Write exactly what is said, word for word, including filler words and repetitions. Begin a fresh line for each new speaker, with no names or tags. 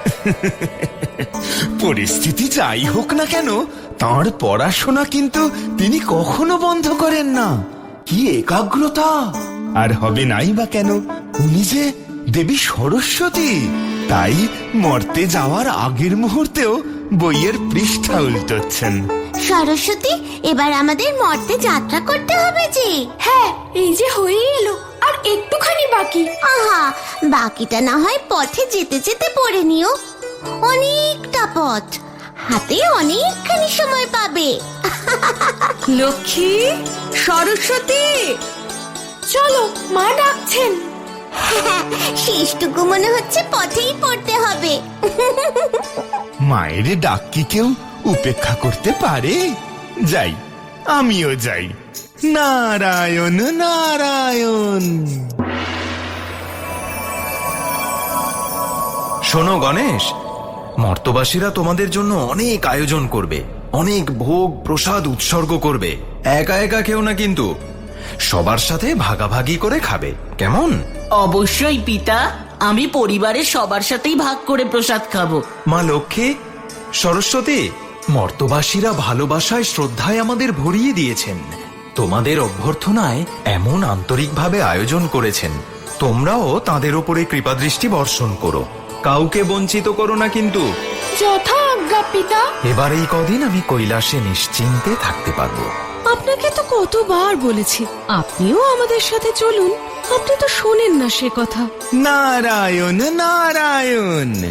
পরিস্থিতি যাই হোক না কেন, তাঁর পড়াশোনা কিন্তু তিনি কখনো বন্ধ করেন না। কি একাগ্রতা! আর হবে নাই বা কেন, উনি যে দেবী সরস্বতী। তাই মরতে যাওয়ার আগের মুহূর্তেও বইয়ের পৃষ্ঠা উল্টোচ্ছেন।
সরস্বতী, এবার আমাদের মর্তে যাত্রা করতে হবে যে।
হ্যাঁ, এই যে হয়ে এলো, আর একটুখানি বাকি।
আহা, বাকিটা না হয় পথে যেতে যেতে পড়ে নিও। অনেকটা পথ, হাতে অনেকখানি সময় পাবে।
লক্ষ্মী, সরস্বতী,
চলো, মা ডাকছেন।
শেষটুকু মনে হচ্ছে পথেই পড়তে হবে।
মায়ের ডাক কি কেউ উপেক্ষা করতে পারে? যাই, আমিও যাই। নারায়ণ নারায়ণ।
শোনো গণেশ, মর্তবাসীরা তোমাদের জন্য অনেক আয়োজন করবে, অনেক ভোগ প্রসাদ উৎসর্গ করবে। একা একা কেউ না, কিন্তু সবার সাথে ভাগাভাগি করে খাবে, কেমন?
অবশ্যই পিতা, আমি পরিবারের সবার সাথেই ভাগ করে প্রসাদ খাবো।
মা লক্ষ্মী, সরস্বতী, মর্তবাসীরা ভালোবাসায় শ্রদ্ধায় আমাদের ভরিয়ে দিয়েছেন। তোমাদের অভ্যর্থনায় এমন আন্তরিকভাবে আয়োজন করেছেন, তোমরাও তাদের ওপরে কৃপাদৃষ্টি বর্ষণ করো, কাউকে বঞ্চিত করো না কিন্তু।
যথা আজ্ঞা পিতা।
এবার এই কদিন আমি কৈলাসে নিশ্চিন্তে থাকতে পারবো।
আপনাকে তো কতবার বলেছি আপনিও আমাদের সাথে চলুন, আপনি তো শোনেন না সে কথা।
নারায়ণ নারায়ণ।